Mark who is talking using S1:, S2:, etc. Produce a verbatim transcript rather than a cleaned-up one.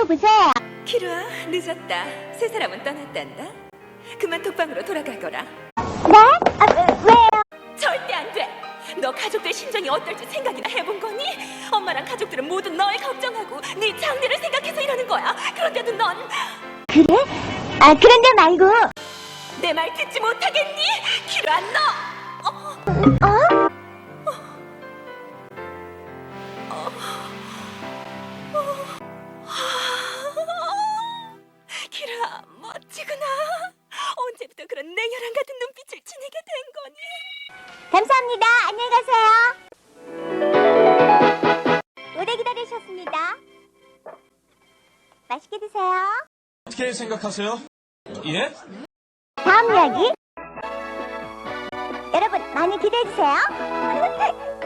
S1: 여보세요?
S2: 키루아, 늦었다. 세 사람은 떠났단다. 그만 독방으로 돌아가거라.
S1: 네? 아, 왜요?
S2: 절대 안 돼. 너 가족들 심정이 어떨지 생각이나 해본 거니? 엄마랑 가족들은 모두 널 걱정하고 네 장래를 생각해서 이러는 거야. 그런데도 넌
S1: 그래? 아, 그런데 말고.
S2: 내 말 듣지 못하겠니? 키루아, 너! 어?
S1: 어?
S2: 키루아, 멋지구나. 언제부터 그런 냉혈한 같은 눈빛을 지니게 된 거니?
S1: 감사합니다. 안녕히 가세요. 오래 기다리셨습니다. 맛있게 드세요.
S3: 어떻게 생각하세요? 예?
S1: 다음 이야기. 여러분, 많이 기대해주세요.